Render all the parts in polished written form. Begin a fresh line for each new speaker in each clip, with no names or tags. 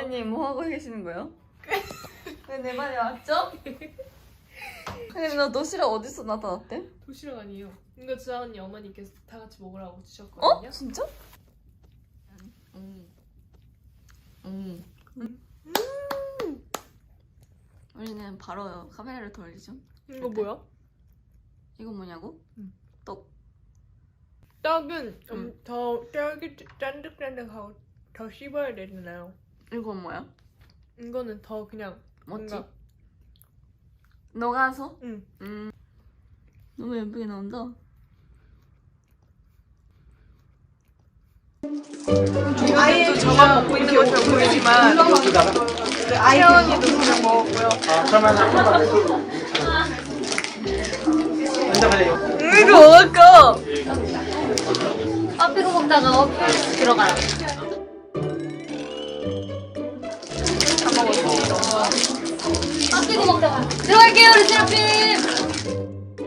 어머님 뭐 하고 계시는 거예요? 왜 내 말이 맞죠? 근데 너 도시락 어디서 나타났대?
도시락 아니에요. 이거 주아 언니 어머니께서 다 같이 먹으라고 주셨거든요.
어? 진짜? 우리는 바로 카메라를 돌리죠.
이거 뭐야?
이거 뭐냐고? 떡.
떡은 더 짠득짠득하고 더 씹어야 되잖아요.
이건 뭐야?
이거는 더 그냥
뭐지?
뭔가
녹아서?
응.
너무 예쁘게 나온다.
아이도 저만 먹고 있는 것처럼 보이지만 채원이도 그냥 먹었고요. 이거 먹을까?
빠삐고 먹다가 들어가요. 빠삐고 먹다가 들어갈게요, 우리 세라핌.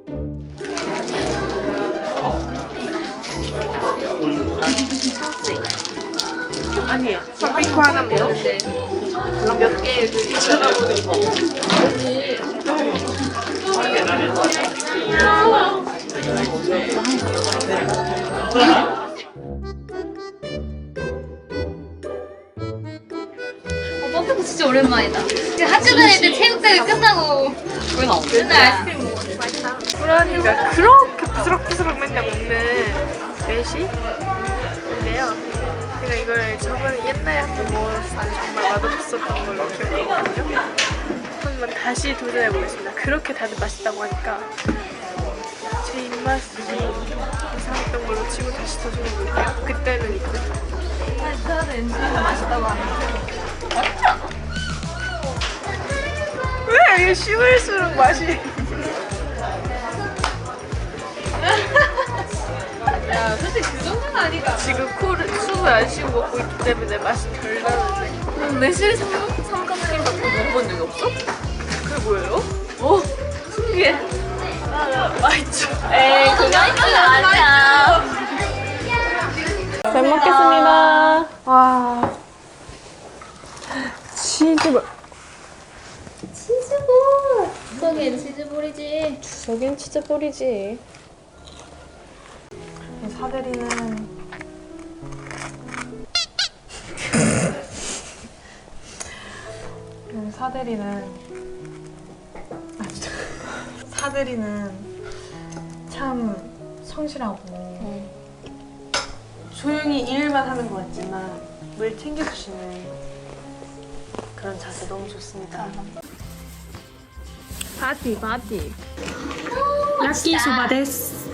아니에요. 팥빙수 하나 먹는데 몇 개 쳐다보는 거.
빠삐고 진짜 오랜만이다. 학교 다닐 때 체육대회 끝나고 맨날 아이스크림 먹었는데.
호란이가 그렇게 부스럭부스럭 맨날 먹는 매시인데요. 제가 이걸 저번에 옛날에 한번 먹었을 때 정말 맛없었던 걸로 기억하거든요. 한번 다시 도전해보겠습니다. 그렇게 다들 맛있다고 하니까 제 입맛이 이상했던 걸로 치고 다시 도전해볼게요. 그때는 있고.
저는 엔지가 맛있다고 하는데.
왜 이게 씹을수록 맛이 야 솔직히 그 정도는 아니가. 지금 숨을 안 쉬고 먹고 있기 때문에 맛이 덜 나는데.
매실 삼각김밥 먹어본 적이 없어?
그게 뭐예요?
오, 신기해.
맛있죠.
에이, 그거 아니야.
잘 먹겠습니다. 와 치즈볼.
치즈볼. 저긴 치즈볼이지.
저긴 치즈볼이지. 사대리는 사대리는 참 성실하고 조용히 일만 하는 것 같지만 늘 챙겨주시는 그런 자세 너무 좋습니다. 파티. 야끼소바 데스.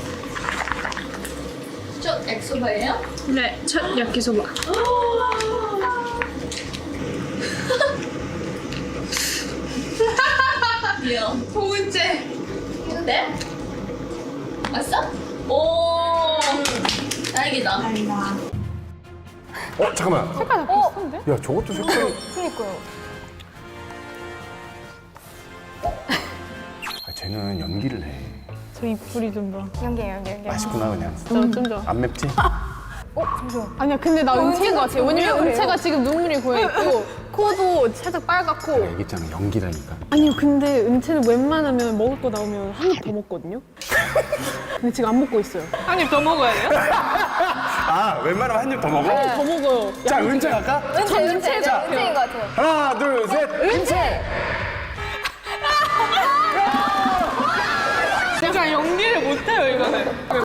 저 엑소바예요?
네, 첫 야끼소바.
귀여워.
소은재.
네? 왔어? 오. 다행이다.
잠깐만. 색깔 다 비슷한데? 야, 저것도 색깔이.
그니까요.
아, 쟤는 연기를 해.
저 입술이 좀 더.
맛있구나, 그냥.
좀 더.
안 맵지?
아니야, 근데 나 은채인 것 같아. 왜냐면 은채가 지금 눈물이 고여있고, 코도 살짝 빨갛고.
얘기했잖아, 연기라니까.
아니요, 근데 은채는 웬만하면 먹을 거 나오면 한 입 더 먹거든요? 근데 지금 안 먹고 있어요.
한 입 더 먹어야 돼요?
아, 웬만하면 한 입 더 먹어?
더 먹어요.
자, 은채 갈까?
은채인 것 같아요.
하나, 둘, 셋.
은채.
제가 연기를 못해요, 이거는.